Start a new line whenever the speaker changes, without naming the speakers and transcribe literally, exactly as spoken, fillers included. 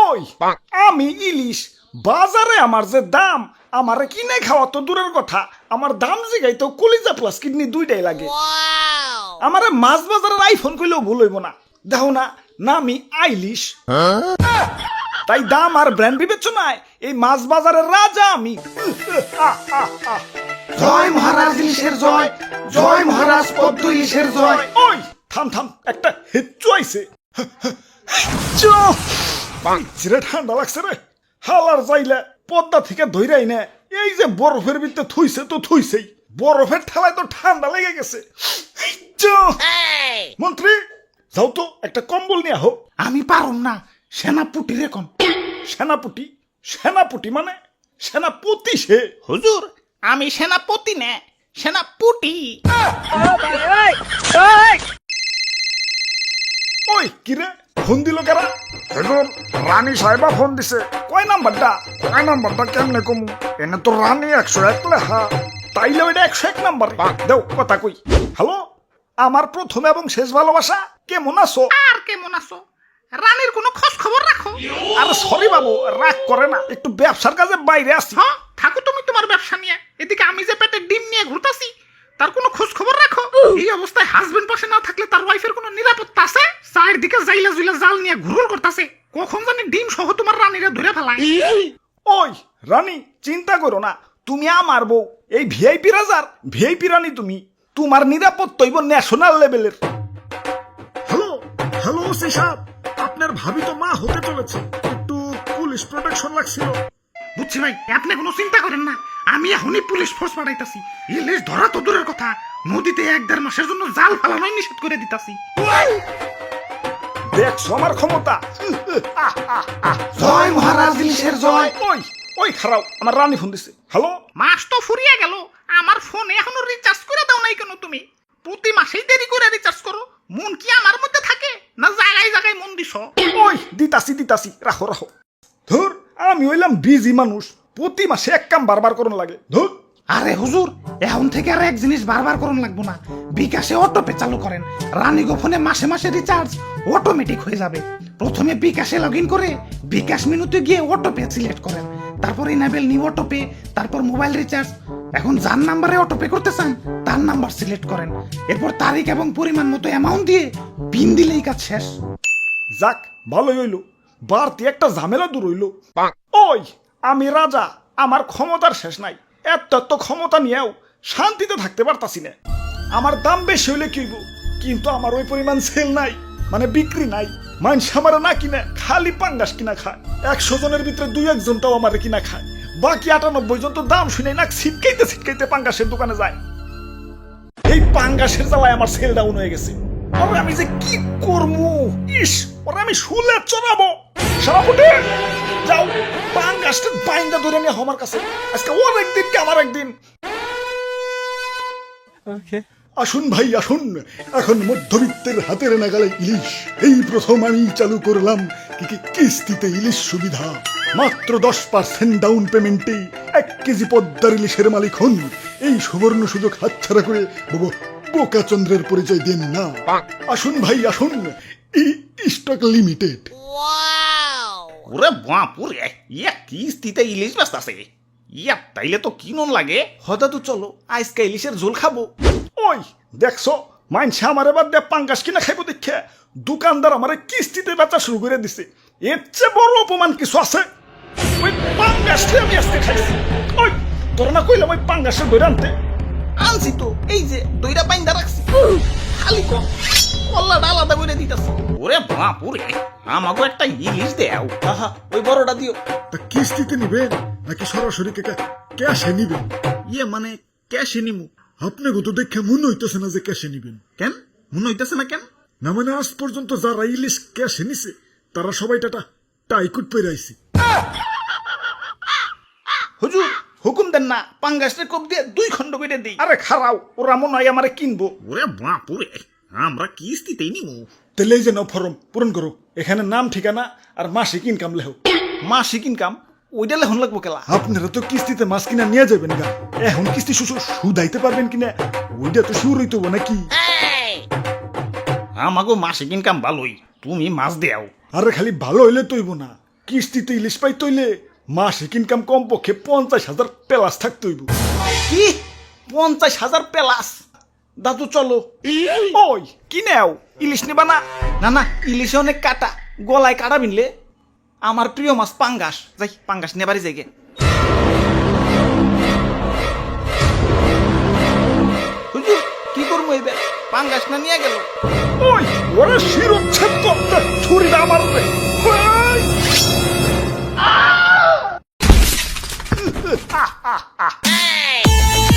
ওই আমি ইলিশ বাজারে আমার যে দাম আমারে কিনে খাওয়া তো দূরের কথা আমার দাম জিগাইতো কলিজা প্লাস কিডনি দুইটাই লাগে আমারে মাছ বাজারের আইফোন কইলেও ভুল হইব না দেখো না নামি আইলিশ তাই দাম আর ব্র্যান্ড বিবেচনায় এই মাছ বাজারের রাজা আমি।
জয় মহারাজ ইলিশের জয়, জয় মহারাজ পদ্ম ইলিশের জয়।
ওই থাম থাম একটা হেচ্চু আইছে চিরে ঠান্ডা লাগছে রে হালার যাইলে পদ্মা থেকে ধইরাই না এই যে বরফের ভিতরে থুইছে তো থুইছেই বরফের ঠেলায় তো ঠান্ডা লেগে গেছে। মন্ত্রী যাও তো একটা কম্বল নিয়ে আহো।
আমি পারুম না, সেনাপুটি রে কম।
সেনাপতি সেনাপতি মানে সেনাপতি সে
হুজুর আমি সেনাপতি না সেনাপুটি।
ওই কিরে ফোন দিল কারা? এখন রানী সাহেবা ফোন দিছে। কয় নাম্বারটা? কয় নাম্বারটা কেমনে কমু? এনে তো রানী একশো এক লেখা, তাইলে ওইটা একশো এক নাম্বার। দেও কথা কই। হ্যালো, আমার প্রথম এবং শেষ ভালোবাসা, কেমন আছো?
আর কেমন আছো? রানীর কোনো খোঁজ খবর রাখো?
আরে সরি বাবু, রাগ করে না, একটু ব্যবসার কাজে বাইরে আসছি।
হ্যাঁ থাকো তুমি তোমার ব্যবসা নিয়ে, এদিকে আমি যে পেটে ডিম নিয়ে ঘুরতাছি তার কোনো খোঁজ খবর রাখো? এই অবস্থায় হাজবেন্ড পাশে না থাকলে তার ওয়াইফের কোনো নিরাপত্তা আছে? চারদিকে জাইলা জুইলা জাল নিয়ে ঘুরঘুর করতেছে, কখন জানি ডিম সহ তোমার রানীরা ধরে ফেলায়।
ওই রানী চিন্তা করো না, তুমি আমার বউ, এই ভিআইপি রাজার ভিআইপি রানী তুমি, তোমার নিরাপত্তা হইব ন্যাশনাল লেভেলের। হ্যালো হ্যালো ওসি সাহেব, আপনার ভাবি তো মা হতে চলেছে, একটু পুলিশ প্রোটেকশন লাগছিল।
বুঝছি ভাই, আপনি কোনো চিন্তা করেন না, আমি এখনই পুলিশ ফোর্স পাঠাইতাছি। ইলিশ ধরা তো দূরের কথা, নদীতে এক দেড় মাসের জন্য জাল ফেলানোই নিষেধ করে দিতাছি।
দেখছো আমার ক্ষমতা?
জয় মহারাজ ইলিশের জয়।
ওই ওই খারাপ, আমার রানী ফোন দিছে। হ্যালো,
মাস তো ফুরিয়ে গেল, আমার ফোনে এখনো রিচার্জ করে দাও নাই কেন তুমি? প্রতি মাসেই দেরি করে রিচার্জ করো, মন কি আমার মধ্যে থাকে না জায়গায় জায়গায় মন দিছ?
ওই দিতাছি দিতাছি, রাখো রাখো। ধুর, আমি হইলাম বিজি মানুষ, প্রতি মাসে এক কাম বারবার করুন লাগে। ধুর।
আরে হুজুর, এখন থেকে আর এক জিনিস বারবার করুন লাগবো না, বিকাশে অটোপে চালু করেন। রানীগো ফোনে মাসে মাসে রিচার্জ অটোমেটিক হয়ে যাবে। প্রথমে বিকাশে লগ ইন করে বিকাশ মেনুতে গিয়ে অটোপে সিলেক্ট করেন, তারপর ইনেবল নিউ অটোপে, তারপর মোবাইল রিচার্জ। এখন যার নাম্বারে অটোপে করতে চান তার নাম্বার সিলেক্ট করেন, এরপর তারিখ এবং পরিমাণ মতো অ্যামাউন্ট দিয়ে পিন দিলেই কাজ শেষ।
যাক ভালোই হইল, বাড়তি একটা ঝামেলা দূর হইল। ওই আমি রাজা, আমার ক্ষমতার শেষ নাই, এত এত ক্ষমতা নিয়েও শান্তিতে থাকতে পারতাছি না। আমার দাম বেশি হইলে কিনবো, কিন্তু আমার ওই পরিমাণ সেল নাই, মানে বিক্রি নাই। মানুষ আমার না কিনে, খালি পাঙ্গাস কিনা খায়। একশো জনের ভিতরে দুই একজনটাও আমার কিনা খায়, বাকি আটানব্বই জন তো দাম শুনে না ছিটকাইতে ছিটকাইতে পাঙ্গাসের দোকানে যায়। এই পাঙ্গাসের জ্বালায় আমার সেল ডাউন হয়ে গেছে। আর আমি যে কি করবো, ইস, ওরা আমি শুলে চড়াবো। সারাপুটে যাও, পাঙ্গাসটা বাইন্দা ধরে নিয়ে আমার কাছে, আজকে ওর একদিন কে আমার একদিন। আসুন ভাই আসুন, এখন মধ্যবিত্তের হাতের নাগালে ইলিশ। এই প্রথম আমি চালু করলাম কি কি কিস্তিতে ইলিশ সুবিধা। মাত্র দশ পার্সেন্ট ডাউন পেমেন্টে এক কেজি পদ্মার ইলিশের মালিক হন। এই সুবর্ণ সুযোগ হাতছাড়া করে বাবু বোকা চন্দ্রের পরিচয় দেন না। আসুন ভাই আসুন, এই স্টক লিমিটেড।
ওরে বাপুরে, ইয়া কিস্তিতে ইলিশ ব্যস্ত আছে, ইয়া তাইলে তো কিনুন লাগে।
হঠাৎ তো চলো আজকে ইলিশের ঝোল খাবো। ওই দেখছো, মাইনছে আমার এবার দিয়ে পাঙ্গাস কিনা খাইবো দেখে দোকানদার আমারে কিস্তিতে বেচা শুরু করে দিছে। এর চেয়ে বড় অপমান কিছু আছে? ওই পাঙ্গাসটা আমি আজকে খাইছি। ওই তোরা না কইলাম ওই পাঙ্গাসের দই আনতে?
আনছি তো, এই যে দইটা বাইন্দা রাখছি, খালি কম কল্লাটা আলাদা করে দিতেছি। ওরে বাপুরে, আমাকে একটা ইলিশ দেও।
আহা, ওই বড়টা দিও।
তা কিস্তিতে নিবেন নাকি সরাসরি ক্যাশে নিবেন?
ইয়ে মানে ক্যাশে নিমু।
আপনাকে তো দেখে মনে হইতেছে না যে ক্যাশে নিবেন।
কেন মনে হইতেছে না কেন?
না মানে আজ পর্যন্ত যারা ইলিশ ক্যাশে নিছে তারা সবাই টাটা টাইকুট পেরে আইছে।
হুজুর হুকুম দেন না, পাঙ্গাসের কোপ দিয়ে দুই খণ্ড কেটে দিই।
আরে খারাও, ওরা মনে হয় আমারে কিনবো।
ওরে বাপুরে, আমরা কিস্তিতেই নিমু।
তাহলে এই যে নাও ফর্ম পূরণ করো, এখানে নাম ঠিকানা আর মাসিক ইনকাম লেখো।
মাসিক ইনকাম ওইটা লেখন লাগবো কেলা?
আপনারা তো কিস্তিতে মাছ কিনা নিয়ে যাবেন গা, এখন কিস্তি সুদাইতে পারবেন কিনা ওইটা তো শুরু হইতো নাকি?
আমাগো মাসিক ইনকাম ভালোই, তুমি মাছ দেও।
আরে খালি ভালো হইলে তৈব না, কিস্তিতে ইলিশ পাই তৈলে মাসিক ইনকাম কমপক্ষে পঞ্চাশ হাজার প্লাস থাকতে হইব।
কি পঞ্চাশ হাজার প্লাস? দাদু চলো। ওই কি নেও, ইলিশ নেবা না? না না, ইলিশে অনেক কাটা, গলায় কাটা বিনলে। আমার প্রিয় মাছ পাঙ্গাস, যাই পাঙ্গাস নেবারই যাই গে। হুজুর কি করবো এবার, পাঙ্গাস না নিয়ে গেল।
ওই ওরা শিরোচ্ছেদ করতে ছুরিটা আমার রে। ওই!
আহ, আহ, আহ।